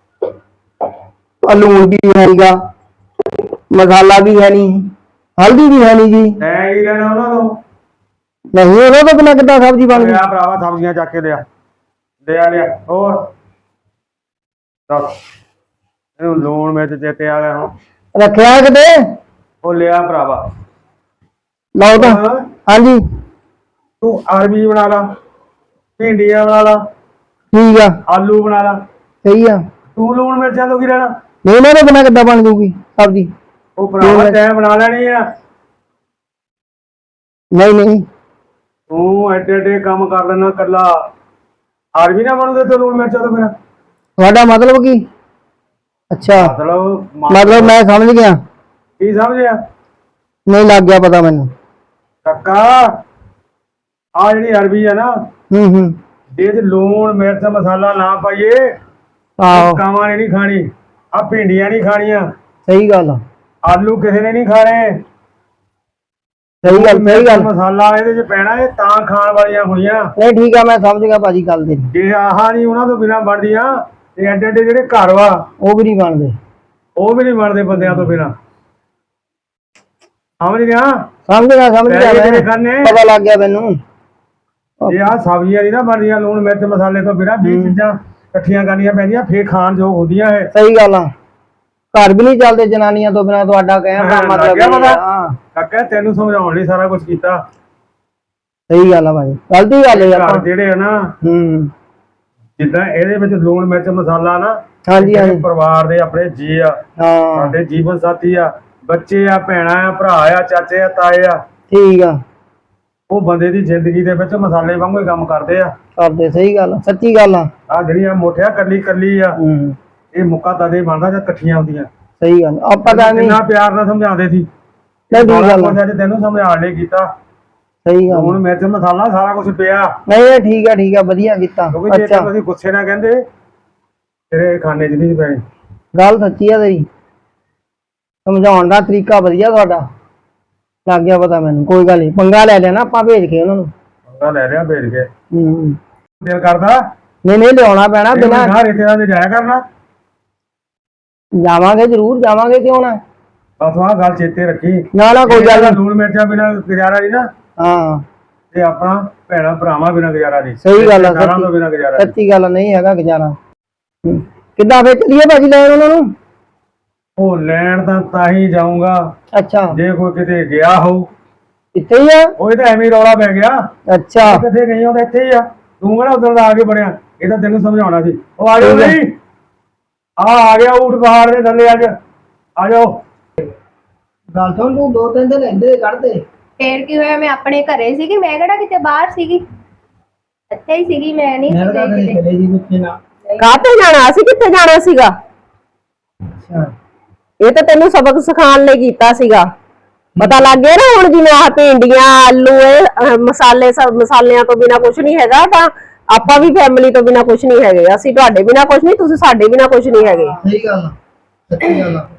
ਆਹ ਲੂਣ ਵੀ ਹੈਗਾ, ਮਸਾਲਾ ਵੀ ਹੈ ਨਹੀਂ, ਹਲਦੀ ਵੀ ਹੈ ਨਹੀਂ ਜੀ।
ਤੈਂ ਕੀ ਲੈਣਾ ਉਹਨਾਂ ਤੋਂ?
ਨਹੀਂ ਉਹਦੇ ਤੋਂ ਬਿਨਾਂ ਕਿੱਦਾਂ ਸਬਜ਼ੀ ਬਣ ਗਈ?
ਲਿਆ ਭਰਾਵਾ, ਸਬਜ਼ੀਆਂ ਚੱਕ ਕੇ ਲਿਆ, ਲਿਆ ਲਿਆ। ਹੋਰ ਦੱਸ, ਇਹਨੂੰ ਲੂਣ ਮਿਰਚ ਚੇਤੇ ਆ ਗਿਆ ਹੁਣ।
ਰੱਖਿਆ ਕਿਤੇ?
ਉਹ ਲਿਆ ਭਰਾਵਾ।
ਲਓ ਤਾਂ।
ਹਾਂ,
ਹਾਂਜੀ
ਤੂੰ ਅਰਬੀ ਬਣਾ ਲਾ, ਭਿੰਡੀਆਂ ਬਣਾ ਲਾ,
ਠੀਕ ਆ,
ਆਲੂ ਬਣਾ ਲਾ।
ਸਹੀ ਆ।
ਤੂੰ ਲੂਣ ਮਿਰਚਾਂ ਤੋਂ ਕੀ ਲੈਣਾ?
ਨਹੀਂ ਇਹਨਾਂ ਦੇ ਬਿਨਾਂ ਕਿੱਦਾਂ ਬਣ ਜੂਗੀ ਸਬਜ਼ੀ?
ਉਹ ਭਰਾਵਾ ਤੈਂ ਬਣਾ ਲੈਣੀ ਆ।
ਨਹੀਂ ਨਹੀਂ,
ਤੂੰ ਐਡੇ ਐਡੇ ਕੰਮ ਕਰ ਲੈਣਾ ਕੱਲਾ। ਅਰਬੀ ਨਾ ਬਣੂਦੇ ਤੇ ਲੂਣ ਮਿਰਚਾਂ ਤੋਂ ਬਿਨਾਂ?
ਤੁਹਾਡਾ ਮਤਲਬ ਕੀ? ਅੱਛਾ,
ਮਤਲਬ
ਮਤਲਬ ਮੈਂ ਸਮਝ ਗਿਆ।
ਕੀ ਸਮਝਿਆ?
ਨਹੀਂ ਲੱਗ ਗਿਆ ਪਤਾ ਮੈਨੂੰ।
ਕੱਕਾ, ਆ ਜਿਹੜੀ ਅਰਬੀ ਆ ਨਾ,
ਹੂੰ ਹੂੰ,
ਇਹ ਚ ਲੂਣ ਮਿਰਚ ਮਸਾਲਾ ਨਾ ਪਾਈਏ,
ਆਹੋ
ਕਾਵਾਂ ਨੇ ਨਹੀਂ ਖਾਣੀ, ਆ ਭਿੰਡੀਆਂ ਨਹੀਂ ਖਾਣੀਆਂ,
ਸਹੀ ਗੱਲ ਆ,
ਆਲੂ ਕਿਸੇ ਨੇ ਨਹੀਂ ਖਾਣੇ।
ਸਹੀ ਗੱਲ ਸਹੀ ਗੱਲ।
ਮਸਾਲਾ ਇਹਦੇ ਚ ਪੈਣਾ, ਇਹ ਤਾਂ ਖਾਣ ਵਾਲੀਆਂ ਹੋਣੀਆਂ।
ਨਹੀਂ ਠੀਕ ਆ, ਮੈਂ ਸਮਝ ਗਿਆ ਭਾਜੀ ਗੱਲ ਤੇ।
ਜੇ ਆਹ ਨਹੀਂ ਉਹਨਾਂ ਤੋਂ ਬਿਨਾਂ ਬਣਦੀਆਂ, ਤੇ ਐਡੇ ਐਡੇ ਜਿਹੜੇ ਘਰ ਵਾ
ਉਹ ਵੀ ਨਹੀਂ ਬਣਦੇ,
ਉਹ ਵੀ ਨਹੀਂ ਬਣਦੇ ਬੰਦਿਆਂ ਤੋਂ ਬਿਨਾਂ। ਸਮਝ ਗਿਆ?
ਸਮਝ ਗਿਆ ਸਮਝ ਗਿਆ
ਪੈਸੇ
ਮੈਂ,
ਖਾਣੇ।
ਪਤਾ ਲੱਗ ਗਿਆ ਮੈਨੂੰ।
ਜੇ ਆਹ ਸਬਜ਼ੀਆਂ ਨਹੀਂ ਨਾ ਬਣਦੀਆਂ ਲੂਣ ਮਿਰਚ ਮਸਾਲੇ ਤੋਂ ਬਿਨਾਂ, ਵੀਹ ਚੀਜ਼ਾਂ ਇਕੱਠੀਆਂ ਕਰਨੀਆਂ ਪੈਂਦੀਆਂ, ਫੇਰ ਖਾਣ ਯੋਗ ਹੁੰਦੀਆਂ ਹੈ।
ਸਹੀ ਗੱਲ ਆ, ਘਰ ਵੀ ਨਹੀਂ ਚੱਲਦੇ ਜਨਾਨੀਆਂ ਤੋਂ ਬਿਨਾਂ। ਤੁਹਾਡਾ ਕਹਿਣ ਦਾ ਮਤਲਬ ਇਹ ਆ। ਹਾਂ
ਕਾਕਾ ਤੈਨੂੰ ਸਮਝਾਉਣ ਲਈ ਸਾਰਾ ਕੁਝ ਕੀਤਾ।
ਸਹੀ ਗੱਲ ਆ ਭਾਜੀ, ਗਲਤੀ ਗੱਲ ਹੈ
ਘਰ
ਆਪਾਂ।
ਜਿਹੜੇ ਆ ਨਾ,
ਹੂੰ,
ਜਿੱਦਾਂ ਇਹਦੇ ਵਿੱਚ ਲੂਣ ਮਿਰਚ ਮਸਾਲਾ ਨਾ,
ਹਾਂਜੀ ਹਾਂਜੀ,
ਪਰਿਵਾਰ ਦੇ ਆਪਣੇ ਜੀ ਆ,
ਹਾਂ
ਸਾਡੇ ਜੀਵਨ ਸਾਥੀ ਆ, ਬੱਚੇ ਆ, ਭੈਣਾਂ ਆ, ਭਰਾ ਆ, ਚਾਚੇ ਆ, ਤਾਏ ਆ,
ਠੀਕ ਆ,
ਉਹ ਬੰਦੇ ਦੀ ਜ਼ਿੰਦਗੀ ਦੇ ਵਿੱਚ ਮਸਾਲੇ ਵਾਂਗੂ ਹੀ ਕੰਮ ਕਰਦੇ ਆ।
ਕਰਦੇ। ਸਹੀ ਗੱਲ ਆ, ਸੱਚੀ ਗੱਲ ਆ।
ਆ ਜਿਹੜੀਆਂ ਮੋਠਿਆ ਕੱਲੀ ਕੱਲੀ ਆ,
ਹੂੰ,
ਇਹ ਮੁੱਕਾ ਤਦੇ ਬਣਦਾ ਜਾਂ ਇਕੱਠੀਆਂ ਹੁੰਦੀਆਂ।
ਸਹੀ ਗੱਲ। ਆਪਾਂ ਤਾਂ ਨਹੀਂ,
ਕਿੰਨਾ ਪਿਆਰ ਨਾਲ ਸਮਝਾਉਂਦੇ ਸੀ।
ਨਹੀਂ ਠੀਕ ਗੱਲ ਆ,
ਅੱਜ ਤੈਨੂੰ ਸਮਝਾਉਣ ਲਈ ਕੀਤਾ।
ਸਹੀ ਗੱਲ।
ਲੂਣ ਮਿਰਚ ਮਸਾਲਾ ਸਾਰਾ ਕੁਝ ਪਿਆ।
ਨਹੀਂ ਇਹ ਠੀਕ ਆ ਠੀਕ ਆ, ਵਧੀਆ ਕੀਤਾ।
ਕਿਉਂਕਿ ਜੇ
ਅੱਛਾ,
ਤੁਸੀਂ ਗੁੱਸੇ ਨਾਲ ਕਹਿੰਦੇ, ਤੇਰੇ ਖਾਣੇ 'ਚ ਨਹੀਂ ਪੈਣੀ।
ਗੱਲ ਸੱਚੀ ਆ ਤੇਰੀ, ਸਮਝਾਉਣ ਦਾ ਤਰੀਕਾ ਵਧੀਆ ਤੁਹਾਡਾ, ਲੱਗ ਗਿਆ ਪਤਾ ਮੈਨੂੰ। ਕੋਈ ਗੱਲ ਨਹੀਂ, ਪੰਗਾ ਲੈ ਲਿਆ ਨਾ ਆਪਾਂ ਭੇਜ ਕੇ ਉਹਨਾਂ ਨੂੰ।
ਪੰਗਾ ਲੈ ਲਿਆ ਭੇਜ ਕੇ।
ਹੂੰ,
ਦਿਲ ਕਰਦਾ
ਨਹੀਂ ਨਹੀਂ ਲਿਆਉਣਾ ਪੈਣਾ ਬਿਨਾਂ।
ਨਾ ਰੇਤੇ ਦਾ ਜਾਇਆ ਕਰਨਾ।
ਜਾਵਾਂਗੇ ਜ਼ਰੂਰ ਜਾਵਾਂਗੇ, ਕਿਉਂ ਨਾ।
ਬਸ ਆਹ ਗੱਲ ਚੇਤੇ ਰੱਖੀ।
ਨਾ ਨਾ ਕੋਈ ਗੱਲ ਨੀ।
ਲੂਣ ਮਿਰਚਾਂ ਬਿਨਾਂ ਗੁਜ਼ਾਰਾ ਨਹੀਂ ਨਾ,
ਹਾਂ
ਤੇ ਆਪਣਾ ਭੈਣਾ ਭਰਾਵਾਂ ਬਿਨਾਂ ਗੁਜ਼ਾਰਾ ਨਹੀਂ।
ਸਹੀ ਗੱਲ ਆ,
ਰਿਸ਼ਤੇਦਾਰਾਂ ਤੋਂ ਬਿਨਾਂ ਗੁਜ਼ਾਰਾ ਨਹੀਂ।
ਸੱਚੀ ਗੱਲ ਨਹੀਂ ਹੈਗਾ ਗੁਜ਼ਾਰਾ। ਹੂੰ, ਕਿੱਦਾਂ ਫੇਰ ਚੱਲੀਏ ਭਾਜੀ ਲੈਣ ਉਹਨਾਂ ਨੂੰ?
ਉਹ ਲੈਣ ਤਾਂ ਤਾਂ ਹੀ ਜਾਊਂਗਾ
ਅੱਛਾ,
ਜੇ ਕੋਈ ਕਿਤੇ ਗਿਆ ਹੋਊ।
ਇੱਥੇ ਹੀ ਆ?
ਉਹ ਤਾਂ ਐਵੇਂ ਹੀ ਰੌਲਾ ਪੈ ਗਿਆ।
ਅੱਛਾ,
ਕਿੱਥੇ ਗਈ ਉਹ ਤਾਂ ਇੱਥੇ ਹੀ ਆ। ਤੂੰ ਕਿਹੜਾ ਉਧਰ ਦਾ ਆ ਕੇ ਬਣਿਆ, ਇਹ ਤਾਂ ਤੈਨੂੰ ਸਮਝਾਉਣਾ ਸੀ। ਉਹ ਆ ਜਾਓ ਨਹੀਂ, ਆ ਆ ਗਿਆ ਊਠ ਪਹਾੜ ਦੇ ਥੱਲੇ ਅੱਜ, ਆ ਜਾਓ।
ਗੱਲ ਸੁਣ, ਤੂੰ ਦੋ ਤਿੰਨ ਦਿਨ ਇੱਧੇ ਕੱਢਦੇ।
ਫੇਰ ਕੀ ਹੋਇਆ, ਮੈਂ ਆਪਣੇ ਘਰੇ ਸੀਗੀ, ਮੈਂ ਕਿਹੜਾ ਕਿਤੇ ਬਾਹਰ ਸੀਗੀ, ਇੱਥੇ ਹੀ ਸੀਗੀ। ਮੈਂ ਨਹੀਂ
ਮੈਂ ਤਾਂ
ਕਿਤੇ
ਚਲੇ ਜੀ ਕਿੱਥੇ ਨਾ।
ਕਾਹਤੇ ਜਾਣਾ? ਅਸੀਂ ਕਿੱਥੇ ਜਾਣਾ ਸੀਗਾ?
ਅੱਛਾ,
ਇਹ ਤਾਂ ਤੈਨੂੰ ਸਬਕ ਸਿਖਾਉਣ ਲਈ ਕੀਤਾ ਸੀਗਾ। ਪਤਾ ਲੱਗ ਗਿਆ ਨਾ ਹੁਣ, ਜਿਵੇਂ ਆਹ ਭਿੰਡੀਆਂ ਆਲੂ ਇਹ ਅਹ, ਮਸਾਲੇ ਸਭ ਮਸਾਲਿਆਂ ਤੋਂ ਬਿਨਾ ਕੁਝ ਨਹੀਂ ਹੈਗਾ, ਤਾਂ ਆਪਾਂ ਵੀ ਫੈਮਿਲੀ ਤੋਂ ਬਿਨਾ ਕੁਝ ਨਹੀਂ ਹੈਗੇ। ਅਸੀਂ ਤੁਹਾਡੇ ਬਿਨਾ ਕੁਝ ਨਹੀਂ, ਤੁਸੀਂ ਸਾਡੇ ਬਿਨਾ ਕੁਝ ਨਹੀਂ ਹੈਗੇ।
ਸਹੀ ਗੱਲ ਆ, ਸੱਚੀ ਗੱਲ ਆ।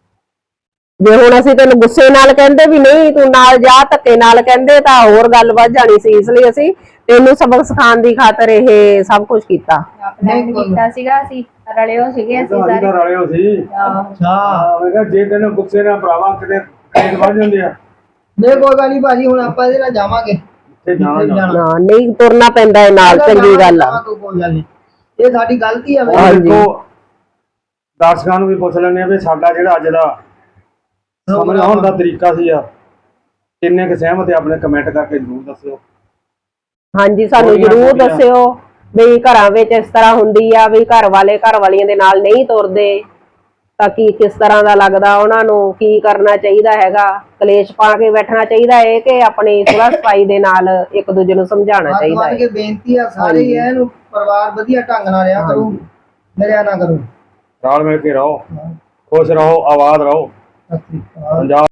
ਜੇ ਹੁਣ ਅਸੀਂ ਤੈਨੂੰ ਗੁੱਸੇ ਨਾਲ ਕਹਿੰਦੇ ਵੀ ਨਹੀਂ ਤੂੰ ਨਾਲ ਜਾ, ਧੱਕੇ ਨਾਲ ਕਹਿੰਦੇ ਤਾਂ ਹੋਰ ਗੱਲ ਵੱਧ ਜਾਣੀ ਸੀ। ਇਸ ਲਈ ਅਸੀਂ ਤੈਨੂੰ ਸਬਕ ਸਿਖਾਉਣ ਦੀ ਖਾਤਰ ਇਹ ਸਭ ਕੁਝ ਕੀਤਾ।
ਆਪਣਾ ਕੀਤਾ ਸੀਗਾ, ਅਸੀਂ ਰਲਿਓ ਸੀਗੇ ਅਸੀਂ
ਸਾਰੇ
ਸਾਰੇ।
ਰਲੇ ਹੋ ਸੀ।
ਅੱਛਾ,
ਮੈਂ ਕਿਹਾ ਜੇ ਤੈਨੂੰ ਗੁੱਸੇ ਨਾਲ ਭਰਾਵਾ ਕਿਤੇ ਖੇਡ ਵੱਜ ਜਾਂਦੇ ਆ।
ਨਹੀਂ ਕੋਈ ਗੱਲ ਨਹੀਂ ਭਾਜੀ, ਹੁਣ ਆਪਾਂ ਇਹਦੇ ਨਾਲ ਜਾਵਾਂਗੇ।
ਤੇ ਜਾਣਾ ਜਾਣਾ।
ਨਾ ਨਹੀਂ ਤੁਰਨਾ ਪੈਂਦਾ ਹੈ ਨਾਲ, ਚੰਗੀ ਗੱਲ ਆ।
ਕੋਈ ਗੱਲ ਨਹੀਂ, ਇਹ ਸਾਡੀ ਗਲਤੀ ਆ।
ਆਹ ਦੇਖੋ, ਦਰਸ਼ਕਾਂ ਨੂੰ ਵੀ ਪੁੱਛ ਲੈਂਦੇ ਆ ਵੀ ਸਾਡਾ ਜਿਹੜਾ ਅੱਜ ਦਾ ਸਮਝਾਉਣ ਦਾ ਤਰੀਕਾ ਸੀ ਆ ਕਿੰਨੇ ਕੁ ਸਹਿਮਤ ਹੈ ਆਪਣੇ ਕਮੈਂਟ ਕਰਕੇ ਜ਼ਰੂਰ ਦੱਸਿਓ।
ਹਾਂਜੀ ਸਾਨੂੰ
ਥੋੜ੍ਹੀਆਂ
ਜਰੂਰ
ਬਹੁਤੀਆਂ।
ਦੱਸਿਓ ਵੀ ਘਰਾਂ ਵਿੱਚ ਇਸ ਤਰ੍ਹਾਂ ਹੁੰਦੀ ਆ ਵੀ ਘਰ ਵਾਲੇ ਘਰ ਵਾਲੀਆਂ ਦੇ ਨਾਲ ਨਹੀਂ ਤੁਰਦੇ ਤਾਂ ਕੀ ਕਿਸ ਤਰ੍ਹਾਂ ਦਾ ਲੱਗਦਾ ਉਹਨਾਂ ਨੂੰ, ਕੀ ਕਰਨਾ ਚਾਹੀਦਾ ਹੈਗਾ, ਕਲੇਸ਼ ਪਾ ਕੇ ਬੈਠਣਾ ਚਾਹੀਦਾ ਹੈ ਕਿ ਆਪਣੀ ਸੁਲਹ ਸਫਾਈ ਦੇ ਨਾਲ ਇੱਕ ਦੂਜੇ ਨੂੰ ਸਮਝਾਉਣਾ
ਹੱਥ
ਚਾਹੀਦਾ
ਬੰਨ੍ਹ
ਹੈ।
ਕੇ ਬੇਨਤੀ ਆ ਸਾਰੇ ਹੀ ਇਹਨੂੰ ਪਰਿਵਾਰ ਵਧੀਆ ਢੰਗ ਨਾਲ ਰਿਹਾ ਕਰੂ, ਲੜਿਆ ਨਾ ਕਰੋ।
ਰਲ ਮਿਲ ਕੇ ਰਹੋ, ਖੁਸ਼ ਰਹੋ, ਆਬਾਦ ਰਹੋ।
ਸਤਿ ਸ਼੍ਰੀ ਅਕਾਲ।
ਪੰਜਾਬ